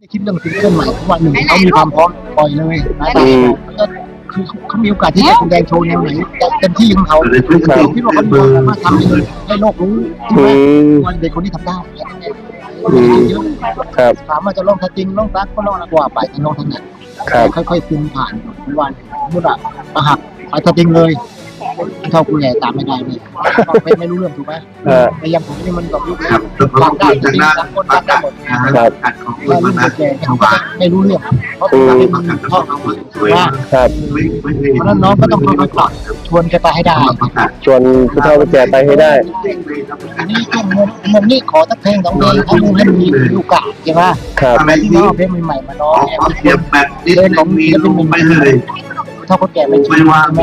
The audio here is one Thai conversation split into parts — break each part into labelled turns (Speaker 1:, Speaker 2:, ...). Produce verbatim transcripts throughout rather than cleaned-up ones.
Speaker 1: คิดเรื่องซิงเกิลใหม่วันหนึ่งเขามีความพร้อมปล่อยเลยนะแต่คือเขามีโอกาสที่จะแสดงโชว์แนวไหนเต็มที่ของเขาผมคิดว่าเขาสามารถทำให้โลกรู้ใช่ไหมวันเด็กคนนี้ทำได้เยอะถามว่าจะลองทัจริงลองซักก็ลองนะกว่าไปจะลองทั้งนั้นค่อยๆซึมผ่านวันมุดอะประหักไปทัจริงเลยเท่าคุณใหญ่ตามไม่ได้เลยไม่ไม่รู้เรื่องถูกไหมแต่ยังผมนี่มันกับยุคทำได้จริงๆทั้งคนทำได้หมดครับแต่รุ่นแก่เขาไม่รู้เรื่องเพราะทำให้มันท่องเอาว่าเพราะนั้นน้องก็ต้องค่อยๆปรับชวนแกไปให้ได้
Speaker 2: ชวนผู้เฒ่าผู้แก่ไปให้ได้
Speaker 1: อันนี้ก็มุมมุมนี้ขอสักเพลงสองเพลงให้มุมให้มีลูกกะใช่ไหมอะไรที่น้องเพลงใหม่ๆมาน้องเพลงของศิลปินใหม่ๆเท่าคนแก่ไม่ชินใช่ไหม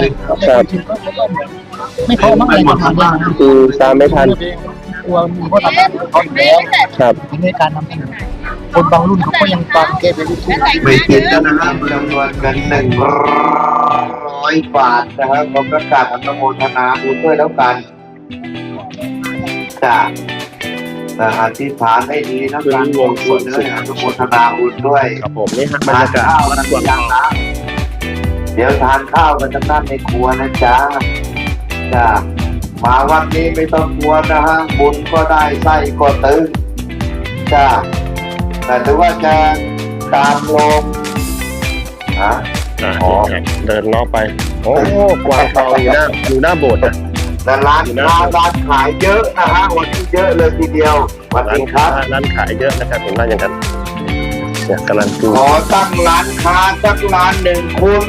Speaker 1: ไม่พอมากเลยทำได้
Speaker 2: คือตามไม่ทัน
Speaker 1: กลัวมีเพราะทำเขาอยู่แล้วครับในการนำเสนอคนบางรุ่นเขาก็ยังฟังแกไปรู้ทุก
Speaker 3: ไม่คิดแล้วนะครับจำนวนเงินหนึ่งร้อยบาทนะครับผมประกาศอนุโมทนาบุญด้วยแล้วกันจากอธิษฐานให้ดีนะการวงส่วนเนื้ออนุโมทนาบุญด้วย
Speaker 2: ครับผมนี่ฮะบรรยากาศ
Speaker 3: ข้าวกันยังนะเดี๋ยวทานข้าวกันทั้งนั้นในครัวนะจ๊ะจ้ามาวันนี้ไม่ต้องกลัวนะฮะบุญก็ได้ไส้ก็ตึงจ้าแต่ถือว่าจะตามลมฮะ
Speaker 2: อ๋อเดินล้อไปโอ้กวางทองอยู่หน้าอยู่หน้าโบสถ์นะ
Speaker 3: แต่ร้านร้านร้านขายเยอะนะฮะวันนี้เยอะเลยทีเดียววันนี้ครับ
Speaker 2: ร้านขายเยอะนะครับเห็นว่าอย่างนั้นเนี่ยกำลังดู
Speaker 3: ขอตั้งร้านค้าสักร้านหนึ่งคุณ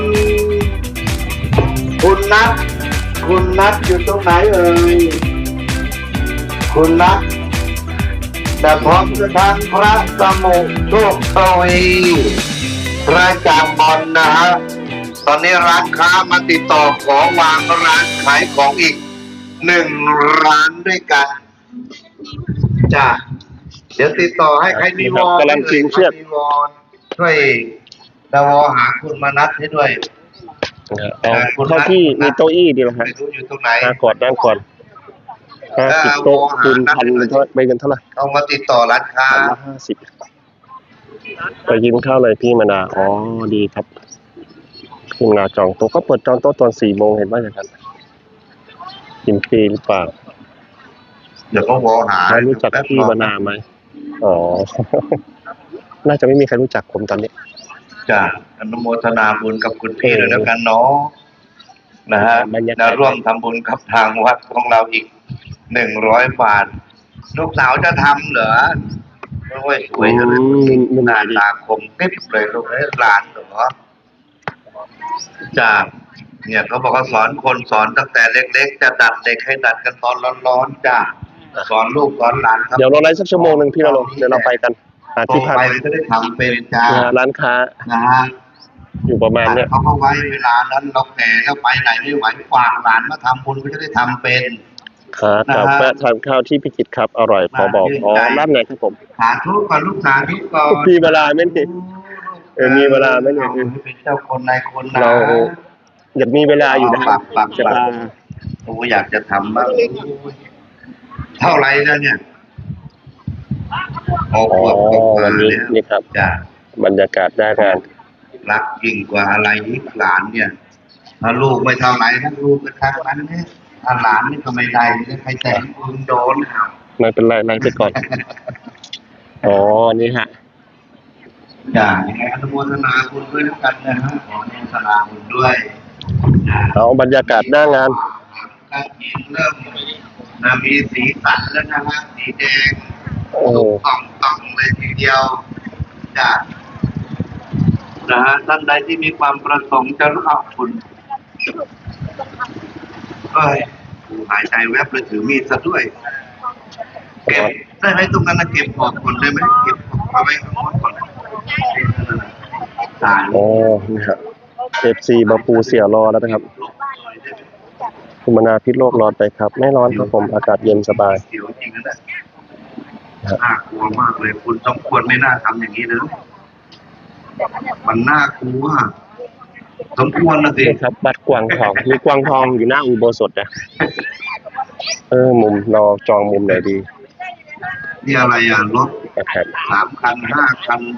Speaker 3: คุณนัทคุณนัทอยู่ตรงไหนเอ่ยคุณนัทแต่พร้อมจะทานพระสมุโชคทวีพระจามบอลนะฮะตอนนี้ร้านค้ามาติดต่อขอวางร้านขายของอีกหนึ่งร้านด้วยกันจ้ะเดี๋ยวติดต่อให้ใครมีวอล
Speaker 2: กำลังชิงเชือก
Speaker 3: ช่วยดาวหาคุณมานัดให้ด้วย
Speaker 2: เท่าที่มีโต๊ะอี้ดีไหมครับ
Speaker 3: อยู่ตรงไหน
Speaker 2: กอดด้านก่อนห้าสิบโต๊ะคูณพันเป็นเท่าไปกันเท่าไหร่
Speaker 3: เอามาติดต่อร้านค้า
Speaker 2: ห้าสิบไปกินข้าวเลยพี่มนาอ๋อดีครับพี่มนาจองโต๊ะก็เปิดจองโต๊ะตอนสี่โมงเห็นว่าอย่างนั้นกินฟรีหรือเปล่า
Speaker 3: เดี๋ยวก็วอหา
Speaker 2: รู้จักพี่มนาไหมอ๋อน่าจะไม่มีใครรู้จักผมตอนนี้
Speaker 3: จ้ะอนุโมทนาบุญกับคุณพี่ด้วยแล้วกันเนาะนะฮะจะร่วมทำบุญกับทางวัดของเราอีกหนึ่งร้อยบาทลูกสาวจะทำเหรอโอ้ยสวยเลยหน้าตาคมกริบเลยลูกให้หลานเหรอจ้ะเนี่ยเขาบอกว่าสอนคนสอนตั้งแต่เล็กๆจะดัดเด็กให้ดัดกันตอนร้อนๆจ้ะสอนลูกสอนหลาน
Speaker 2: เดี๋ยวเราไลฟ์สักชั่วโมงหนึ่งพี่เราลงเดี๋ยวเราไปกัน
Speaker 3: ที่พักไปจะได้ทำเป็นจ้า
Speaker 2: ร้านค้า
Speaker 3: นะฮะ
Speaker 2: อยู่ประมาณเนี้ย
Speaker 3: เขาก็ไว้เวลานั้นเราแก่แล้วไปไหนไม่ไหวฝากหลานมาทำบุญก็จะได้ทำเป็น
Speaker 2: ครับกับแวะทานข้าวที่พิจิตรครับอร่อยพอบอกอ๋อร้านไหนครับผม
Speaker 3: สาธุก่อนลูกสาธุก่อน
Speaker 2: มีเวลาไหมเนี่ยเออมีเวลาไหมเนี่ย
Speaker 3: เป็นเจ้าคนนายคนนะ
Speaker 2: เราอยากมีเวลาอยู่นะ
Speaker 3: จะโอ้อยากจะทำบ้างเท่าไรแล้วเนี่ย
Speaker 2: อ๋อวันนี้นี่ครับบรรยากาศได้กัน
Speaker 3: รักยิ่งกว่าอะไรอีกหลานเนี่ยถ้าลูกไม่เท่าไหร่ถ้าลูกก็ทั้งนั้นเนี่ยถ้าหลานนี่ก็ไม่ได้ใครแต่งคุณโดน
Speaker 2: ไม่เป็นไรไล่ไปก่อนอ๋อนี่ฮะ
Speaker 3: จ้ายังไงอนุโมทนาบุญด้วยแล้วกันนะฮะขออนุโมทนาบุญด้วย
Speaker 2: เอาบรรยากาศหน้างาน
Speaker 3: การกินเริ่มมีสีสันแล้วนะฮะสีแดง
Speaker 2: โอ้
Speaker 3: ต่องต่องเลยทีเดียวจ้ะนะฮะท่านใดที่มีความประสงค์จะรับคุณเฮ้ยหายใจแวบเลยถือมีดซะด้วยเก็บได้ไหมตรงนั้นนะเก็บออกก่อนได้ไหมเก็บเอาไว้ข้างบนก่อนตาย
Speaker 2: โอ้นี่ครับเอฟซีบาปูเสียรอแล้วนะครับคุณมนาพิษโลกร้อนไปครับไม่ร้อนครับผมอากาศเย็นสบาย
Speaker 3: เสียวจริงนะน่ากลัวมากเลยคุณต้องควรไม่น่าทำอย่างนี้นะมันน่ากลัวสมควรนะสิ
Speaker 2: ครับบัดกวางทองมีกวางทองอยู่หน้าอุโบสถนะเออมุมเราจองมุมไหนดี
Speaker 3: นี่อะไรอ่ะรถสามคันห้าคัน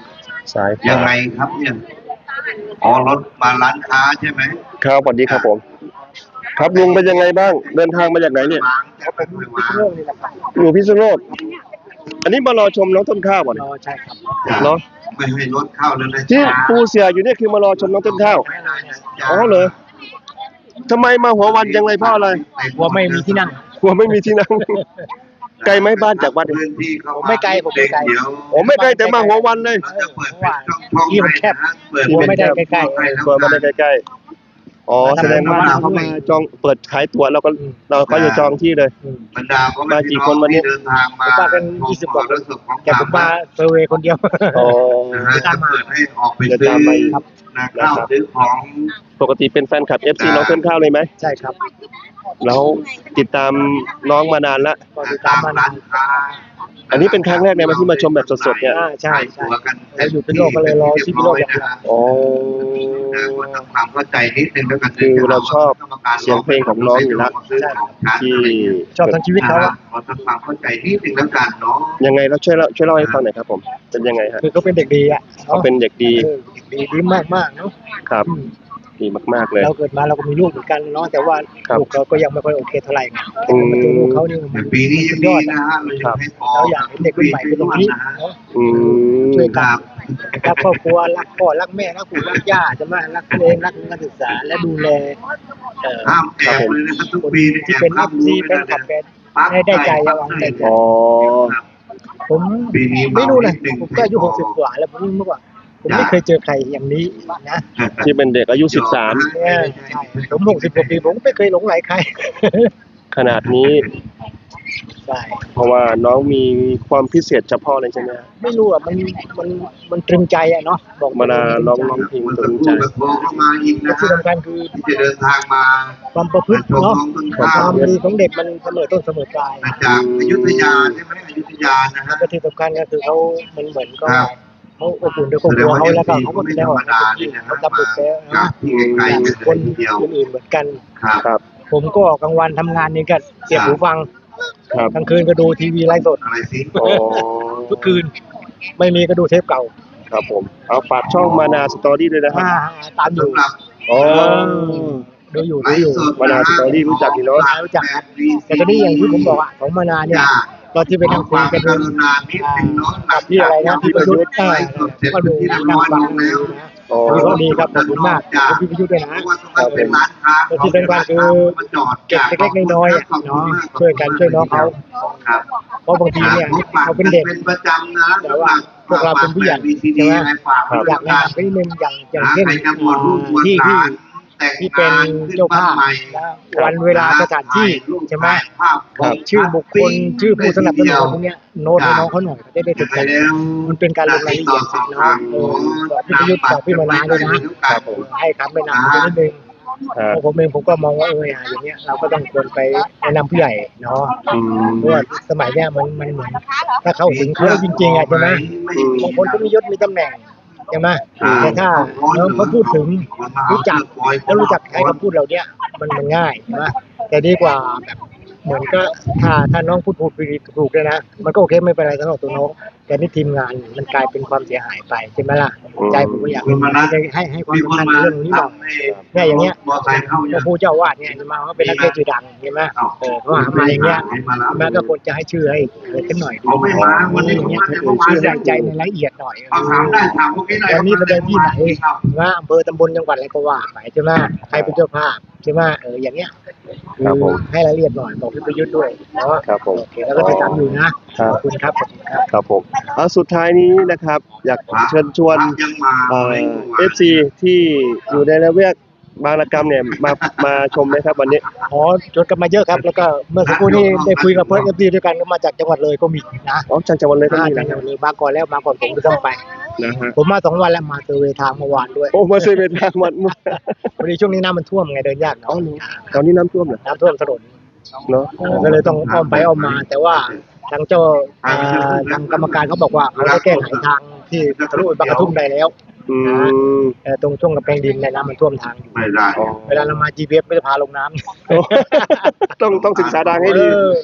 Speaker 2: สาย
Speaker 3: ยังไงครับเนี่ยอ๋อรถมาร้านค้าใช่ไหม
Speaker 2: ครับสวัสดีครับผม ครับลุงเป็นยังไงบ้าง เดินทางมาจากไหนเนี่ย
Speaker 3: จะไปคุยวาง
Speaker 2: อยู่พิษณุโลก อันนี้มารอชมน้องต้นข้าวบ่เนี่ย
Speaker 1: ใช่ครับ
Speaker 2: เนาะ
Speaker 3: ไม่ให้รถเข้าแล้วนะ
Speaker 2: ที่
Speaker 3: จ๊ะ
Speaker 2: ปูเสียอยู่เนี่ยคือมารอชมน้องต้นข้าว อ๋อเหรอทำไมมาหัววันจังเลยเพราะอะไร
Speaker 1: ว่าไม่มีที่นั่ง
Speaker 2: กลัวไม่มีที่นั่ง ไกลไหมบ้านจากวัดเนี่ย
Speaker 3: พื้นที่เข้า
Speaker 1: ผมไม่ไกลผมไม่ไกล
Speaker 3: เดี๋ยว
Speaker 2: โอ้ไม่ไกลแต่มาหัววันเลย
Speaker 3: เราจะเปิดเป็นช่องๆ
Speaker 1: ที่มันแคบ
Speaker 3: ให้นะเปิด
Speaker 1: กลัวไม่ได้ใกล้
Speaker 2: กลัวไม่ได้ใกล้ๆ อ๋อแสดงว่าเขามาจองเปิดขายตั๋วเราก็เราก็จะจองที่เลย
Speaker 3: บรรดาพ่อแม่
Speaker 2: มากี่
Speaker 3: พี่
Speaker 2: คนวันนี้
Speaker 3: ที่เดินทางมา
Speaker 1: ผมว่าเป็นยี่สิบกว่าคน
Speaker 3: ชมความ
Speaker 1: ๆแต่ผมมาเซอร์เวย์คนเดียว
Speaker 2: อ๋อ
Speaker 3: นะฮะจะเปิดให้ออกไป
Speaker 2: เดี๋ยว
Speaker 3: ซื้อ
Speaker 2: ตามมาอีก
Speaker 3: นะข้าวซื้อของ
Speaker 2: ปกติเป็นแฟนคลับ เอฟ ซี น้องต้นข้าวเลยไหม
Speaker 1: ใช่ครับ
Speaker 2: แล้วติดตามน้องมานานละ
Speaker 1: ก็ติดตามมานาน
Speaker 3: ค้า
Speaker 2: อันนี้เป็นครั้งแรกในวันที่มาชมแบบสดๆเนี่ย
Speaker 1: อ่าใช่ใช่
Speaker 3: ตัวกัน
Speaker 1: เราอยู่เป็นโลกก็เลยรอที่เป็นโลกอย่างเดียว
Speaker 2: อ๋อ
Speaker 3: นะก็ทำความเข้าใจนิดนึงแล้วกัน
Speaker 2: คือเราชอบเสียงเพลงของน้องอยู่แล้ว ที่
Speaker 1: ชอบทั้งชีวิตเขาอะ
Speaker 3: เราทำความเข้าใจนิดนึงแล้วกันเนาะ
Speaker 2: ยังไงเราช่วยเล่าช่วยเล่าให้ฟังหน่อยครับผม เป็นยังไงฮะ
Speaker 1: คือเขาเป็นเด็กดีอ่ะ
Speaker 2: เขาเป็นเด็กดี
Speaker 1: เออเด็กดีดีมากมากๆเนาะ
Speaker 2: ครับ
Speaker 1: อืม
Speaker 2: ดีมากๆเลย
Speaker 1: เราเกิดมาเราก็มีลูกเหมือนกันเนาะแต่ว่า
Speaker 2: ครับ
Speaker 1: ลูกเราก็ยังไม่ค่อยโอเคเท่าไหร่ไง
Speaker 2: อืม
Speaker 1: มาเจอลูกเขานี่
Speaker 3: แต่
Speaker 1: มัน
Speaker 3: ปีนี้
Speaker 1: สุ
Speaker 3: ยัง
Speaker 1: ดย
Speaker 3: ดี
Speaker 1: อด
Speaker 3: นะ
Speaker 1: อะ
Speaker 3: ฮะเรายังให้พอ
Speaker 1: เราอยากเห็นเด็กรุ่นใหม่เป็นตรงนี้เนาะ
Speaker 2: อืม
Speaker 1: ช่วย
Speaker 3: ค
Speaker 1: กัน
Speaker 3: รับ
Speaker 1: รักครอบครัวรักพ่อรักแม่รักปู่รักย่าจะมารักตัวเองรักการศึกษาและดูแลเอ่อ
Speaker 3: ห้ามแอบเลยนะครับทุกปี
Speaker 1: ที่เป็นเอฟซีเป็นขับแฟนให้ได้ใจเอาใจใจ
Speaker 2: อ๋อ
Speaker 1: ผม
Speaker 3: ปีนี้
Speaker 1: ไม่รู้นะผมก็อายุหกสิบกว่าแล้วผมเมื่อก่อนผมไม่เคยเจอใครอย่างนี้นะ
Speaker 2: ที่เป็นเด็กอายุสิบสาม
Speaker 1: เนี่ยใช่ผมหกสิบกว่าปีผมไม่เคยหลงไหลใคร
Speaker 2: ขนาดนี้
Speaker 1: ใช่
Speaker 2: เพราะว่าน้องมีความพิเศษเฉพาะเลยใช่ไหมฮะ
Speaker 1: ไม่รู้อ่ะมันมันมันตรึงใจอ่ะเนาะบอก
Speaker 2: เวลาร้องร้องเพลง
Speaker 3: มัน
Speaker 2: ต
Speaker 3: จะ
Speaker 2: รง
Speaker 3: พู
Speaker 2: ใจ
Speaker 3: ดแบบโทรเข้ามาอีก
Speaker 1: และ
Speaker 3: นะ
Speaker 1: ที่
Speaker 3: ฮะ
Speaker 1: สำคัญคือ
Speaker 3: ที่จะเดินทางมา
Speaker 1: ความประพฤติเนาะความดีของเด็กมันเสมอต้นเสมอปลาย
Speaker 3: มาจากอยุธยาใช่ไหมอยุธยานะฮะ
Speaker 1: และที่สำคัญก็คือเขามันเหมือนก็
Speaker 3: ครับ
Speaker 1: เขาอบอุ่นด้วยครอบครัวเขาแล้วก็เขาก็แสดงออกเขาทำบุญแล้ว
Speaker 3: จา
Speaker 1: นะ
Speaker 3: กที่ไกลๆกัน
Speaker 1: คน
Speaker 3: เลยทีเดียว
Speaker 1: อื่นๆเหมือนกัน
Speaker 3: ครับ
Speaker 2: ครับ
Speaker 1: ผมก็กลางวันทำงานนี่ก็เสียบหูฟัง
Speaker 2: ครับ
Speaker 1: กลางคืนก็ดูทีวีไลฟ์สด
Speaker 3: อะไรสิ
Speaker 2: อ๋อ
Speaker 1: ทุกคืน ไม่มีก็ดูเทปเก่า
Speaker 2: ครับผม เอาฝากช่องมานาสตอรี่ด้วยนะครับ
Speaker 1: อ่าตามอยู่
Speaker 3: สำหรับ
Speaker 2: อ๋อ
Speaker 1: ดูอยู่
Speaker 3: ไล
Speaker 1: ดูอยู่
Speaker 3: ฟ์สด
Speaker 2: มานาสตอรี่รู้จักอยู่เนอะ
Speaker 1: รู้จักแต่ตอนนี้อย่างที่ผมบอกอ่ะของมานาเนี่ยตอนที่ไปนั่งคุยกัน
Speaker 3: กรุณานิดนึงเนาะ
Speaker 1: กับที่อะไรนะพี่ประยุทธ์
Speaker 3: ไลฟ์สดเสร็จ
Speaker 1: ก็ดู
Speaker 3: ที่เรียบ
Speaker 1: นั่
Speaker 3: ร้
Speaker 1: ง
Speaker 3: อย
Speaker 1: ฟั
Speaker 3: ล
Speaker 1: ง
Speaker 3: งแล้ว
Speaker 1: นะ
Speaker 2: อ๋อ
Speaker 1: วันนี้ก็ดีครับขอบคุณมากขอบคุณพี่ประยุทธ์ด้วยนะ
Speaker 3: เพราะว่าตรงนั้นเป็นร้านค้า
Speaker 1: แต่ที่สำคัญคือเก็บเล็กๆน้อยๆอ่ะเนาะช่วยกันช่วยน้องเขา
Speaker 3: ครับ
Speaker 1: เพราะบางทีเนี่ยเขาเป็นเด็ก
Speaker 3: เป็นประจำนะ
Speaker 1: แต่ว่าพวกเราเป็นผู้ใหญ่ใช่ไหม อยากแนะนำไปนิดนึงอย่างอย่างเช่น
Speaker 3: ใครจะบวชลูกบวช
Speaker 1: ที่
Speaker 3: ห
Speaker 1: ที่
Speaker 3: ลานแต่ง
Speaker 1: ที่เป็น
Speaker 3: งานขึ้น
Speaker 1: เจ้าภาพ
Speaker 3: บ้นใหม่
Speaker 1: นะวันเวลาสถานที่ใช่ไหม
Speaker 3: ภาพ
Speaker 1: บอกชื่อบุคคลชื่อผู้สนับสนุนพวกเนี้ยโน้ตให้น้องเขาหน่อยจะได้
Speaker 3: จะ
Speaker 1: ติด
Speaker 3: ไป
Speaker 1: ใจ
Speaker 3: แล้ว
Speaker 1: มันเป็นการลงรายละเอียดสินะเออบอกพี่ประยุทธ์บอกพี่มานาด้วยนะให้คำแนะนำไปนิดนึง
Speaker 2: ครับ
Speaker 1: เพราะผมเองผมก็มองว่าเอออย่างเงี้ยเราก็ต้องควรไปแนะนำผู้ใหญ่เนาะ
Speaker 2: อืม
Speaker 1: เพราะว่าสมัยเนี้ยมันมันเหมือนถ้าเข้าถึงเขาจริงๆอ่ะใช่ไหมบางคนก็มียศมีตำแหน่งใช่ไหมแต่ถ้าน้องเขาพูดถึงรู้จักแล้วรู้จักใช้คำพูดเหล่าเนี้ยมันมันง่ายใช่ไหมแต่ดีกว่าแบบเหมือนก็ถ้าถ้าน้องพูดถูกถูกเลยนะมันก็โอเคไม่เป็นไรสำหรับตัวน้องแต่นี่ทีมงานมันกลายเป็นความเสียหายไปใช่ไหมล่ะใจผมก็อยากให้ให้ให้ความ
Speaker 3: มีคน
Speaker 1: สำคัญ
Speaker 3: มา
Speaker 1: เรื่องนี้หน่อย
Speaker 3: ทำให้
Speaker 1: เนี่ยอย่างเงี้ย
Speaker 3: มอไซค์เข้า
Speaker 1: พระผู้เจ้าวาดเนี่ยจะมาว่าเป็นนักเทศน์ชื่อดังใช่ไหมเออเขาหามาอย่างเงี้ยแม่ก็ควรจะให้ชื่อให้เกิดขึ้นหน่อยดี
Speaker 3: เขาไม่มาวันนี้
Speaker 1: อย่างเงี้ย
Speaker 3: ผมมาแต่เมื่อวาน
Speaker 1: ชื่อใส่ใจในรายละเอียดหน่อย
Speaker 3: เอาถามได้ถามพวกนี้หน่อย
Speaker 1: วันนี้ประเด็นที่ไหนว่าอำเภอตำบลจังหวัดอะไรก็ว่าไปใช่ไหมใครเป็นเจ้าภาพใช่ไหมเอออย่างเงี้ย
Speaker 2: ครับผม
Speaker 1: ให้รายละเอียดหน่อยบอกพี่ประยุทธ์ด้วยเนาะ
Speaker 2: ครับผม
Speaker 1: โอเคแล้วก็ติดตามอยู่นะครับ ขอบคุณครับขอบคุณครับ
Speaker 2: ครับผมเอาสุดท้ายนี้นะครับ อยากเชิญชวน
Speaker 3: ยังมา
Speaker 2: เอ่อฟซีที่อยู่ในระแวกบางระกำเนี่ยมามาชมไหมครับวันนี้
Speaker 1: อ๋อจดกันมาเยอะครับแล้วก็เมื่อสักครู่นี้ได้คุยกับเพื่อนเอฟซีด้วยกันก็มาจากจังหวัดเลยก็มีนะ
Speaker 2: อ๋อจากจังหวัดเลยก็
Speaker 1: มา
Speaker 2: มี
Speaker 1: จาก
Speaker 2: นะ
Speaker 1: จังหวัดเลยมาก่อนแล้วมาก่อนผมก็ต้องไป
Speaker 2: นะฮะ
Speaker 1: ผมมาสองวันแล้วมาเซอร์เวย์ทางเมื่อวานด้วย
Speaker 2: โอ้มาเซเว่นทางวัดมุก
Speaker 1: พอดีช่วงนี้น้ำมันท่วมไงเดินยาก
Speaker 2: อ๋อ
Speaker 1: เนาะ
Speaker 2: ตอนนี้น้ำท่วมเหรอ
Speaker 1: น้ำท่วมถนน
Speaker 2: เนาะ
Speaker 1: เออก็เลยต้องอ้อมไปอ้อมมา แต่ว่าทางเจ้าอ่าทางกรรมการเขาบอกว่าเขาได้แก้ไขทางที่ทะลุไปบางกระทุ่มได้แล้ว
Speaker 2: อืม
Speaker 1: เออตรงช่วงกำแพงดินในยน้ำมันท่วมทางอยู่
Speaker 3: ไม่ได้
Speaker 2: อ๋อ
Speaker 1: เวลาเรามา จี พี เอส ไม่ได้พาลงน้ำ
Speaker 2: ต้องต้องศึกษาทางให้ดี
Speaker 1: เออ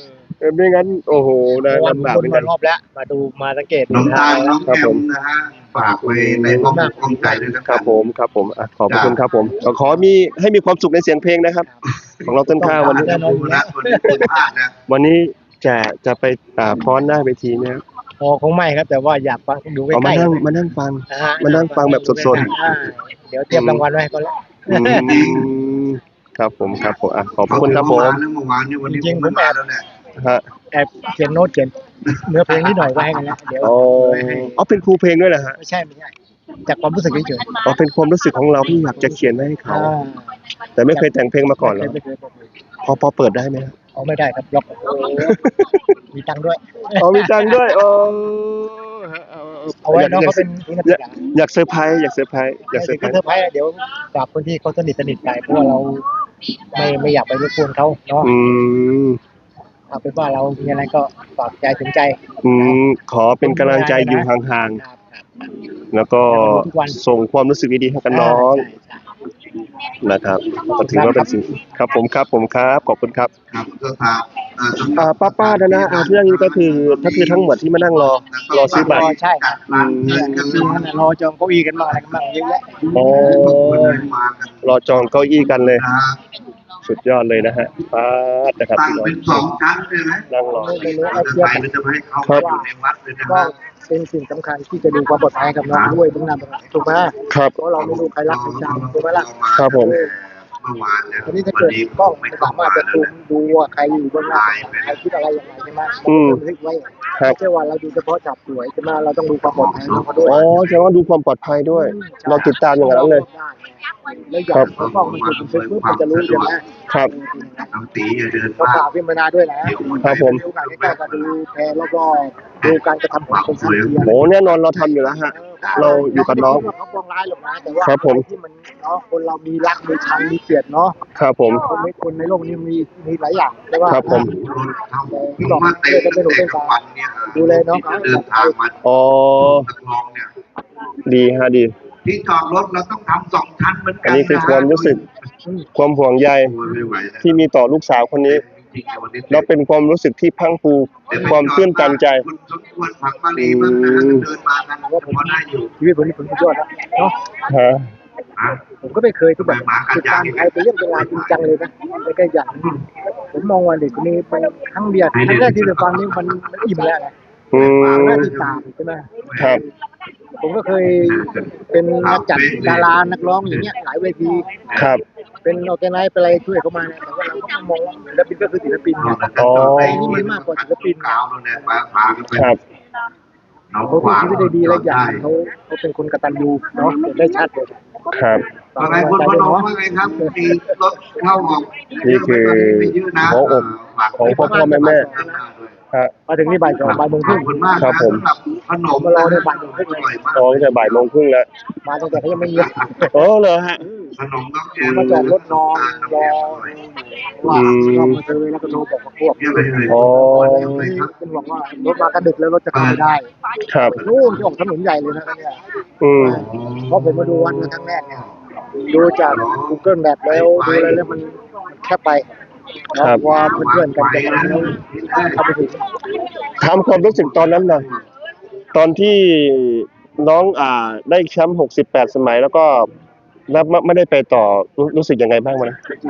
Speaker 2: ไม่งั้นโอ้โหนะ
Speaker 1: วัน
Speaker 2: ลำบาก
Speaker 1: ค
Speaker 2: เห
Speaker 1: น
Speaker 2: มือน
Speaker 1: มา
Speaker 2: กัน
Speaker 1: รอบแล้วมาดูมาสังเกต
Speaker 3: น้องตาลน้อง
Speaker 2: ครับ
Speaker 3: แอ
Speaker 2: ผม ม
Speaker 3: นะฮะฝากไว้ในห้องอกห้องใจด้วยนะ
Speaker 2: ค
Speaker 3: ค
Speaker 2: รั
Speaker 3: รั
Speaker 2: บบ ผมครับผมอ่ะขอบพระคุณครับผมขอขอมีให้มีความสุขในเสียงเพลงนะครับ ของเราต้นข้าววันนี้
Speaker 3: แน่นอนนะวันนี้คุณพลาดนะ
Speaker 2: วันนี้จะจะไปอ่าฟ้อนหน้าเวทีไหมครับ
Speaker 1: พอคงไม่ครับแต่ว่าอยากฟังดูใก
Speaker 2: เอามา
Speaker 1: ล้
Speaker 2: นั่งมานั่งฟัง
Speaker 1: ๆนะฮะ
Speaker 2: มานั่งฟังแบบสด
Speaker 1: อ่าเดี๋ยวเตรียมรางวัลไว้ให้เขาแล้ว
Speaker 2: อืมครับผมครับผมอ่ะขอบพระคุณครับผม
Speaker 3: เมื่อวานเนี่ยวันนี้
Speaker 1: จริงๆผมแอบ
Speaker 3: แล้วเนี่ย
Speaker 2: ฮะ
Speaker 1: แอบเขียนโน้ตเขียนเนื้อเพลงนิดหน่อยไว้ให้กันแล้วเดี๋ยว
Speaker 2: อ๋อ
Speaker 1: ไว้ให้
Speaker 2: อ๋อเป็นครูเพลงด้วยเหรอฮะ
Speaker 1: ไม่ใช่ไม่ใช่จากความรู้สึกเฉย
Speaker 2: อ๋อเป็นความรู้สึกของเราที่อยากจะเขียนไว้ให้
Speaker 1: ๆ
Speaker 2: เขา
Speaker 1: อ่า
Speaker 2: แต่ไม่เคยแต่งเพลงมาก่อนเหรอ
Speaker 1: ไม่เคยไม่เคย
Speaker 2: พอพอเปิดได้ไหมครับ
Speaker 1: เอาไม่ได้ครับล็อกมีตังค์ด้วย
Speaker 2: อ๋อมีตังค์ด้วยอ๋อฮะเอา
Speaker 1: เอาไว้น้อง
Speaker 2: อยาก
Speaker 1: เขาเป็นที่นัก
Speaker 2: อ
Speaker 1: ศึ
Speaker 2: ยาก
Speaker 1: กษา
Speaker 2: อยากเซอร์ไพรส์อยากเซอร์ไพรส์อยากเซอ
Speaker 1: ถึ
Speaker 2: ร์
Speaker 1: ง
Speaker 2: ไพร
Speaker 1: จะ
Speaker 2: ส์
Speaker 1: เซอร์ไพรส์เดี๋ยวฝากคนที่เขาสนิทสนิทไปเพราะว่าเราไม่ไม่อยากไปรบกวนเขาเนาะ
Speaker 2: อืม
Speaker 1: เอาเป็นว่าเรามีอะไรก็ฝากใจถึงใจ
Speaker 2: อืมขอเป็นกำลังใจอยู่ห่าง
Speaker 1: ครับครับ
Speaker 2: ๆแล้วก็
Speaker 1: ทุกวัน
Speaker 2: ส่งความรู้สึกดีๆให้กับน้อง
Speaker 1: ใช่ใช่
Speaker 2: นะครับก็ถือว่าเป็นสิ่งครับผมครับผมครับขอบคุณครับ
Speaker 3: ครับก็ครับอ่าสำห
Speaker 2: อ่า
Speaker 3: รับ
Speaker 2: ป้าๆนะนะอ่าเรื่องนี้ก็คือก็คือทั้งหมดที่มานั่งรอรอซื้อบัตร
Speaker 1: ใช่ครับ
Speaker 3: ร้านเงินกัน
Speaker 1: มีนั่นน่ะรอจองเก้าอี้กันบ้างอะไรกันบ้างเยอะแยะ
Speaker 2: อ๋อ
Speaker 3: คนเดินมากัน
Speaker 2: รอจองเก้าอี้กันเลย
Speaker 3: นะ
Speaker 2: สุดยอดเลยนะฮะป้าดนะครับ
Speaker 3: ตั้ง
Speaker 2: พี่น้อง
Speaker 3: เป็นสองชั้นเลยไหม
Speaker 2: นั่งรอ
Speaker 1: ไม่รู้
Speaker 3: เรา
Speaker 1: ไอ้
Speaker 3: จะ
Speaker 1: เทียบ
Speaker 3: ไปหรือจะไม่ให้เข้าไปอยู่ในวัดเลยนะค
Speaker 1: ก็
Speaker 3: รับ
Speaker 1: เป็นสิ่งสำคัญที่จะดูความปลอดภัยกับน้องด้วยตรงนั้นถูกไหม
Speaker 2: ครับ
Speaker 1: เพราะเราไม่รู้ใครรักใครชังถูกไหมล่ะ
Speaker 2: ครับผม
Speaker 3: เมื่อวานเนี่ย
Speaker 1: ทีนี้ถ้า
Speaker 3: วั
Speaker 1: เกิด
Speaker 3: นี้
Speaker 1: กล้อง
Speaker 3: ไม่
Speaker 1: ไม่
Speaker 3: เข้า
Speaker 1: สามาร
Speaker 3: มา
Speaker 1: ถจะ
Speaker 3: แล้ว
Speaker 1: ซูม
Speaker 3: นะ
Speaker 1: ดูว่าใครอยู่เบื้องหน้าใครคิดอะไรยังไงใช่ไหม
Speaker 2: อืม
Speaker 1: บันทึกไว้
Speaker 2: ครับ
Speaker 1: ไม่ใช่ว่าเราดูเฉพาะจับสวยใช่ไหมเราต้องดูความปลอดภัยของเขาด้วย
Speaker 2: อ๋อแสดงว่าดูความปลอดภัยด้วย เราติดตามอย่างนั้นเลย
Speaker 1: แล้วอย่างเขากล้องมันถูกบันทึกปุ๊บมันจะรู้ใช่ไหม
Speaker 2: ครับ
Speaker 3: น้องตีอย่าเดิน
Speaker 1: ก็
Speaker 3: มา
Speaker 1: ฝากพี่มานาด้วยนะ
Speaker 2: ครับผม
Speaker 1: ดูการใกล้ๆก็ดูแพรแล้วก็ดูการกระทำของคนทั้งเทียน
Speaker 2: โหแน่นอนเราทำอยู่แล้วฮะ เราอยู่กับน้อง
Speaker 1: เขาปองร้ายหรอกนะแต่ว่า
Speaker 2: ครับผม
Speaker 1: ที่มันเนาะคนเรามีรักมีชังมีเกลียดเนาะ
Speaker 2: ครับผม
Speaker 1: คนในคนในโลกนี้มีมีหลายอย่างแต่ว่า
Speaker 2: ครับผม
Speaker 3: ที่บอกว่าเตะตั้งแต่กลางวันเนี่ย
Speaker 1: ดูแลน้องเขา
Speaker 3: เดินทางมา
Speaker 2: อ๋อ
Speaker 3: ตะคลองเนี่ย
Speaker 2: ดีฮะดี
Speaker 3: ที่จอดรถเราต้องทำสองชั้นเหมือนกั
Speaker 2: อั
Speaker 3: น
Speaker 2: นนี้คือความรู้สึก ความห่วงใย
Speaker 3: ไม่ไหวนะ
Speaker 2: ที่มีต่อลูกสาวคนนี้
Speaker 3: จริงๆวันนี้
Speaker 2: แล้วเป็นความรู้สึกที่พรังพรูความตื้นตันใจ
Speaker 3: คุณสมควรผักมาลีบ้างนะเดินมากันว่าผมได้อยู่
Speaker 1: ชีวิตผมนี่ผมสุดยอดแล้วเนาะ
Speaker 2: ฮะ
Speaker 3: อ่ะ
Speaker 1: ผมก็ไม่เคยที่แบบติดตามใครเป็นเรื่องเป็นราวจริงจังเลยนะไม่ใช่อย่างผมมองว่าเด็กคนนี้ไปครั้งเดียวครั้งแรกที่ได้ฟังนี่มันมันอิ่มแล้วไง
Speaker 2: อื
Speaker 1: ครั้งแรก
Speaker 2: ม
Speaker 1: ที่ตามใช่ไหม
Speaker 2: ครับ
Speaker 1: ผมก็เคยเป็นนักจัดดารานักร้องอย่างเงี้ยหลายเวที
Speaker 2: ครับ
Speaker 1: เป็นออแกไนซ์เป็นอะไรช่วยเขามาเนี่ยแต่ว่าเราก็มองว่าศิลปินก็คือศิลปินไง
Speaker 2: อ๋อ
Speaker 1: ไอ้นี่มันมากกว่าศิลปิน
Speaker 3: กาวเนี่ยมาพากันไป
Speaker 2: ครับ
Speaker 3: น้อง
Speaker 1: เขา
Speaker 3: ขวาง
Speaker 1: ชีวิตได้ดีและอย่างเขาเขาเป็นคนกตัญญูเนาะเห็นได้ชัดเลย
Speaker 2: ครับ
Speaker 3: ว่าไงคุณพนมว่าไงครับมีรถเข้าออก
Speaker 2: นี่คือ
Speaker 3: ไม่เยอะนะ
Speaker 2: หัวอกของพ่อพ่อแม่แม่ฮะ
Speaker 1: มาถึงนี่บ่ายสองบ่ายโมงค
Speaker 3: ขอ
Speaker 1: รึ่
Speaker 3: บ
Speaker 1: ง
Speaker 3: คุณมาก
Speaker 2: ครับผม
Speaker 3: สำหรับขนม
Speaker 1: เราเนี่ยบ่ายโมงครึ่ง
Speaker 3: อร่อยมาก
Speaker 2: อ๋อตั้งแต่บ่ายโมงครึ่งแล้ว
Speaker 1: มาตั้งแต่เขายังไม่เงียบ
Speaker 2: โอ้เหรอฮะ
Speaker 3: ขนมน้องแก
Speaker 1: มาจอดรถนอนรอว่า
Speaker 2: อืม
Speaker 1: ก็มาเจอแล้วก็โทรบอกกับพวก
Speaker 3: เยอะเลยเลย
Speaker 2: อ๋อ
Speaker 1: เป็นหวังว่ารถมากระดึกแล้วรถจะเข้าไม่ได้
Speaker 2: ครับ
Speaker 1: นู่นที่ออกถนนใหญ่เลยนะเนี่ย
Speaker 2: อืม
Speaker 1: เพราะผมมาดูวัดมาครั้งแรกเนี่ยดูจาก Google Map แล้วดูอะไรแล้วมันแคบไปนะว่าเพื่อนๆกันจะมาแล้วเข้าไปถึง
Speaker 2: ถามความรู้สึกตอนนั้นหน่อยตอนที่น้องอ่าได้แชมป์หกสิบแปดสมัยแล้วก็แล้วไม่ไม่ได้ไปต่อรู้รู้สึกยังไงบ้างวะนะ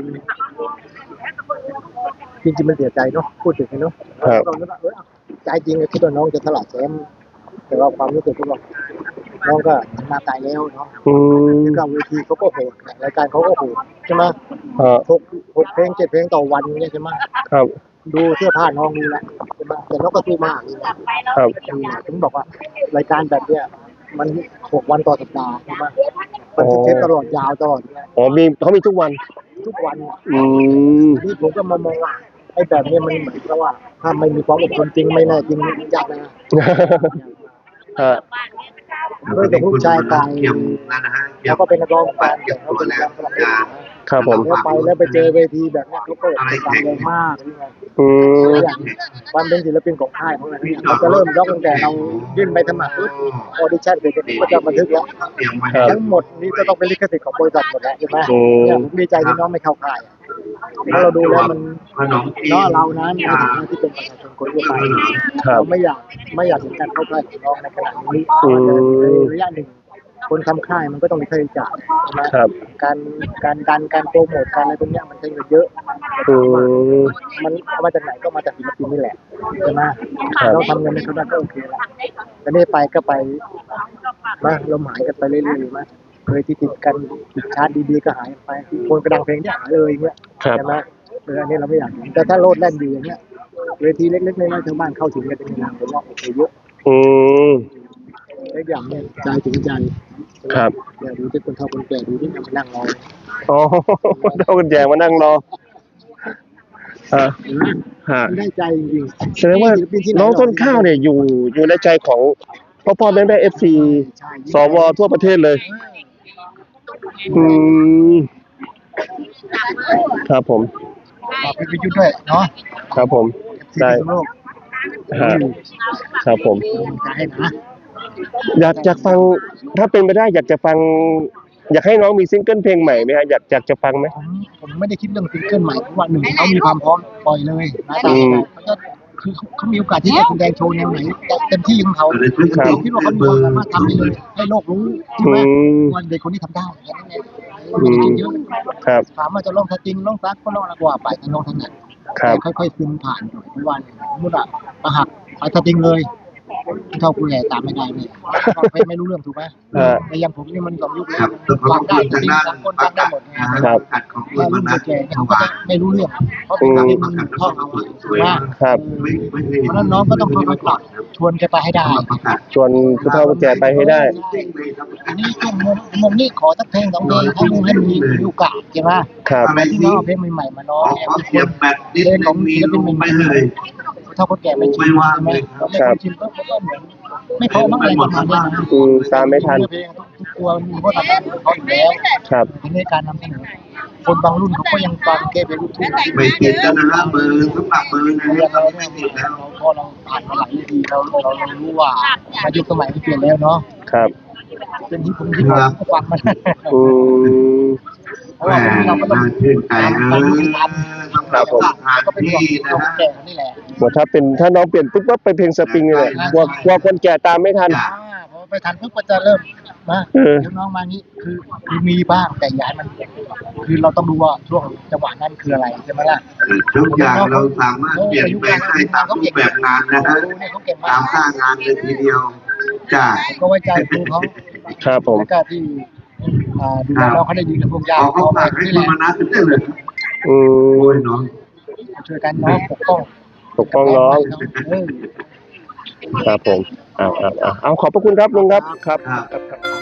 Speaker 1: จริงจริงๆมันเสียใจเนาะพูดถึงเนาะ
Speaker 2: ครับ
Speaker 1: เราคิดว่าเออใจจริงคิดว่าน้องจะถลายแชมป์แต่ว่าความรู้สึกก็บอกน้องก็มาตายแล้วเนาะ
Speaker 2: อืม
Speaker 1: แล้วก็เวทีเขาก็โหดรายการเขาก็โหดใช่ไหม
Speaker 2: ฮะ
Speaker 1: หกหกเพลงเจ็ดเพลงต่อวันเนี่ยใช่ไหม
Speaker 2: ครับ
Speaker 1: ดูเสื้อผ้าน้องนี่แหละใช่ไหมแต่น้องก็สู้มากนี่นะครับ อืมถึงบอกว่ารายการแบบเนี้ยมันหกวันต่อสัปดาห์ใช่ไหมมันจะเทปตลอดยาวตลอดเนี่ย
Speaker 2: อ๋อมีเขามีทุกวัน
Speaker 1: ทุกวัน
Speaker 2: อืม
Speaker 1: นี่ผมก็มามองว่าไอ้แบบเนี้ยมันเหมือนกับว่า ถ้าไม่มีความอดทนจริงไม่แน่จริงยากนะ
Speaker 2: ฮะ
Speaker 1: ด้วยแต่ผู้ชายตาย
Speaker 3: เกี่ยมนั่นนะฮะ
Speaker 1: แล้วก็เป็นนักร้อง
Speaker 3: บาดเจ็บตัวแล้ว
Speaker 1: แล้ว
Speaker 2: ครับผม
Speaker 1: แล้วไปแล้วไปเจอเวทีแบบเนี้ยเขาเปิดเป็นการแรงมากนี่ไง
Speaker 2: อืม
Speaker 1: อย่างความเป็นศิลปินของค่ายของอะไรเนี่ยเขาจะเริ่มล็อกตั้งแต่เรายื่นใบสมัครปุ๊บออดิชั่นเสร็จก็จะบันทึกแล้ว
Speaker 2: ครับ
Speaker 1: ทั้งหมดนี้จะต้องเป็นลิขสิทธิ์ของบริษัทหมดแล้วใช่ไหม
Speaker 2: อืม
Speaker 1: เนี่ยผมดีใจที่น้องไม่เข้าค่ายเพราะเราดูแล้วมันเนาะเรานะในฐานะที่เป็นประชาชนคนทั่วไป
Speaker 2: ครับ
Speaker 1: เราไม่อยากไม่อยากเห็นการเข้าค่ายของน้องในขณะนี้
Speaker 2: อืม
Speaker 1: ในระยะหนึ่งคนทำค่ายมันก็ต้องมีค่าใช้จ่ายใช่ไหม
Speaker 2: ครับ
Speaker 1: การการดันการโปรโมทการอะไรพวกเนี้ยมันใช้เงินเยอะ
Speaker 2: อืม
Speaker 1: มันเอามาจากไหนก็มาจากศิลปินนี่แหละใช่ไหม
Speaker 2: ครับ
Speaker 1: เราทำเงินในเขาได้ก็โอเคละแต่นี่ไปก็ไปมาเราหายกันไปเรื่อยๆมาเคยที่ติดกันติดชาร์จดีๆก็หายไปคนกระดังเพลงเนี่ยหายเลยเงี้ย
Speaker 2: ครับ
Speaker 1: ใช่ไหมเอออันนี้เราไม่อยากเห็นแต่ถ้าโลดแล่นอยู่อย่างเงี้ยเวทีเล็กๆน้อยๆชาวบ้านเข้าถึงกันเป็นงานผมว่าโอเคเยอะ
Speaker 2: อืม
Speaker 1: เล็กอย่างเนี่ยใจถึงใจ
Speaker 2: ครับ
Speaker 1: อย่าดูที่คนเฒ่าคนแก่ดูที่นั่งมานั่งรอ
Speaker 2: อ๋อเท่ากันแจงมานั่งรออ่า
Speaker 1: เห็นไหม
Speaker 2: ฮะ
Speaker 1: มันได้ใจจริงๆ
Speaker 2: แสดงว่าน้องต้นข้าวเนี่ยอยู่อยู่ในใจของพ่อพ่อแม่แม่เอฟซีสวทั่วประเทศเลย อืม ครับผม
Speaker 1: ฝากพี่พิยุทธ์ด้วยเนาะ
Speaker 2: ครับผม
Speaker 1: ที่
Speaker 2: ได้
Speaker 1: พิษณุโลก
Speaker 2: ฮะครับผม
Speaker 1: จะให้นะ
Speaker 2: อยากอยากฟังถ้าเป็นไปได้อยากจะฟัง อยากให้น้องมีซิงเกิลเพลงใหม่ไหมฮะอยากอยากจะฟังไหม
Speaker 1: ผมผมไม่ได้คิดเรื่องซิงเกิลใหม่เพราะว่าหนึ่งเขามีความพร้อมปล่อยเลยนะตาม
Speaker 2: อืม
Speaker 1: เขาจะคือเขาเขามีโอกาสที่จะแสดงโชว์แนวไหนเต็มที่ของเขา
Speaker 2: ครับ
Speaker 1: ผมคิดว่าเขามีความสามารถทำได้เลยให้โลกรู้ใช่ไหม
Speaker 2: อืม
Speaker 1: ว่าเด็กคนนี้ทำได้แค่นั้นเองไม่ได้คิดเยอะ
Speaker 2: ครับ
Speaker 1: ถามว่าจะลองสตริงลองซักก็ลองอะไรกว่าไปแต่ลองถนัด
Speaker 2: ครับ
Speaker 1: แต่ค่อยๆซึมผ่านหน่อยเพราะว่าสมมติว่าประหักไปสตริงเลยเท่าคุณใหญ่ตามไม่ได้เลยไม่ไม่รู้เรื่องถูกไหม
Speaker 2: ฮะ
Speaker 1: แต่อย่างผมนี่มันสองยุคแล้
Speaker 3: ครั
Speaker 1: ว
Speaker 3: บต้องขอบ
Speaker 1: ฟังได้
Speaker 3: คุณ
Speaker 1: ส
Speaker 3: ทา
Speaker 1: ต
Speaker 3: ง
Speaker 1: ริง
Speaker 3: ด้าน
Speaker 1: สากล
Speaker 3: ป
Speaker 1: ฟั
Speaker 3: ระ
Speaker 1: งได้
Speaker 3: กาศ
Speaker 1: หมดไง
Speaker 3: นะครับประกาศของ
Speaker 1: ถ้า
Speaker 3: คุณ
Speaker 1: รุ่น
Speaker 3: นัท
Speaker 1: แก่ๆ
Speaker 3: ถ
Speaker 1: เนี่ยเขา
Speaker 3: วา
Speaker 1: จะ
Speaker 3: ย
Speaker 1: ไม่รู้เรื่องเพราะเป็นสตริงมันท่องเอาอะถูกไหม
Speaker 2: ครับ
Speaker 3: ไม่ไม่
Speaker 1: เพราะฉะนั้นน้องก็ต้องค่อยๆปรับชวนแกไปให้ได้
Speaker 3: ประกาศ
Speaker 2: ชวนผู้เฒ่าผู้แก่ไปให้ได้
Speaker 1: อันนี้ช่วงมุมมุมนี้ขอสักเพลงสองเพลงให้มุมให้มีมีโอกาสใช่ไหม
Speaker 2: ครับ
Speaker 1: อะไรที่น้องเอาเพลงใหม่ๆมาน้
Speaker 3: ข
Speaker 1: อ
Speaker 3: อง
Speaker 1: เนี่ย
Speaker 3: ขอ
Speaker 1: มีค
Speaker 3: เสีย
Speaker 1: น
Speaker 3: บแบตนิด
Speaker 1: เพลง
Speaker 3: นึ
Speaker 1: ของ
Speaker 3: งมี
Speaker 1: ศิล
Speaker 3: ล
Speaker 1: ปิน
Speaker 3: ง
Speaker 1: ให
Speaker 3: ไป
Speaker 1: ม่
Speaker 3: เลย
Speaker 1: ๆถ้าคนแก่ไม่ชิน
Speaker 3: ไม่ว่าง
Speaker 1: ใช่ไหม
Speaker 3: เลย
Speaker 1: เราไม่คนชินก็มันก็เหมือนไม่พอมั้งอะไรประมาณนี้นะ
Speaker 2: อืมตามไม่ทัน
Speaker 1: เพลงทุกตัวมีวัฒนธรรมของเขาอยู่แล้ว
Speaker 2: ครับ
Speaker 1: ทีนี้การนำเสนอคนบางรุ่นเขาก็ยังฟังแกเป็นลูกทุ่ง
Speaker 3: ไม่ติดแล้วนะฮะเบอร์สำหรับเบอร์นะ
Speaker 1: อย่าง
Speaker 3: ครั
Speaker 1: เรา
Speaker 3: บ
Speaker 1: เนี่
Speaker 3: ไม่
Speaker 1: ย
Speaker 3: ติดแล้ว
Speaker 1: เราพอเราผ่านมาหลายปีเราเราเรารู้ว่ามายุคสมัยมันเปลี่ยนแล้วเนาะ
Speaker 2: ครับ
Speaker 1: เป็นที่ผมที่ผมก็ฟังมัน
Speaker 2: อืม
Speaker 1: เพราะว่าวันนี้เราก็ต้อง
Speaker 3: น่าชื่นใจ
Speaker 1: ตาม
Speaker 3: เล
Speaker 1: ตาม
Speaker 3: ย
Speaker 1: ที่ทัน
Speaker 3: สำหรับสถาน
Speaker 1: ก็เป็น
Speaker 3: ที่
Speaker 1: ห่วง
Speaker 3: นะ
Speaker 1: คน
Speaker 3: ฮะ
Speaker 1: แก่นี่แหละ
Speaker 2: ว่าถ้าเป็นถ้าน้องเปลี่ยนปุ๊บก็ไปเพลงสปริงเลยกลัวกลัวคนแก่ตามไม่ทัน
Speaker 1: อ่าพอไปทันปุ๊บก็จะเริ่มมา
Speaker 2: เออ
Speaker 1: เดี๋ยวน้องมางี้คือคือมีบ้างแต่ย้ายมัน คือเราต้องดูว่าช่วงจังหวะนั้นคืออะไรใช่ไหมล่ะ
Speaker 3: ทุกอย่างเราสามารถเปลี่ยนแปลงได้ตามรูปแบบงานนะฮะ
Speaker 1: ดูเนี่ยเขาเก่ง
Speaker 3: ตาม
Speaker 1: าม ก
Speaker 3: สร้างงานเลยทีเดียวจ้า
Speaker 1: ผมก็ไว้ใจครูเขา
Speaker 2: ครับผม
Speaker 1: แล้วก็ที่อ่าดูแลน้องเขาได้ดีกับพวกญา
Speaker 3: เอา
Speaker 1: ติ
Speaker 3: เขา
Speaker 1: เขา
Speaker 3: ฝากให้
Speaker 1: นี่
Speaker 3: คุ
Speaker 1: แห
Speaker 3: ณ
Speaker 1: ละ
Speaker 3: มานัดได้เลย
Speaker 2: อื
Speaker 3: โอ้
Speaker 2: ม
Speaker 3: ยเนาะ
Speaker 1: ช่วยกันน้องปกป้อง
Speaker 2: ปกป้องน้อง
Speaker 1: เออ
Speaker 2: ครับผมเอาเอาเอาเอาขอบพระคุณครับลุงครับ ครับ
Speaker 3: ครับ
Speaker 2: ครับ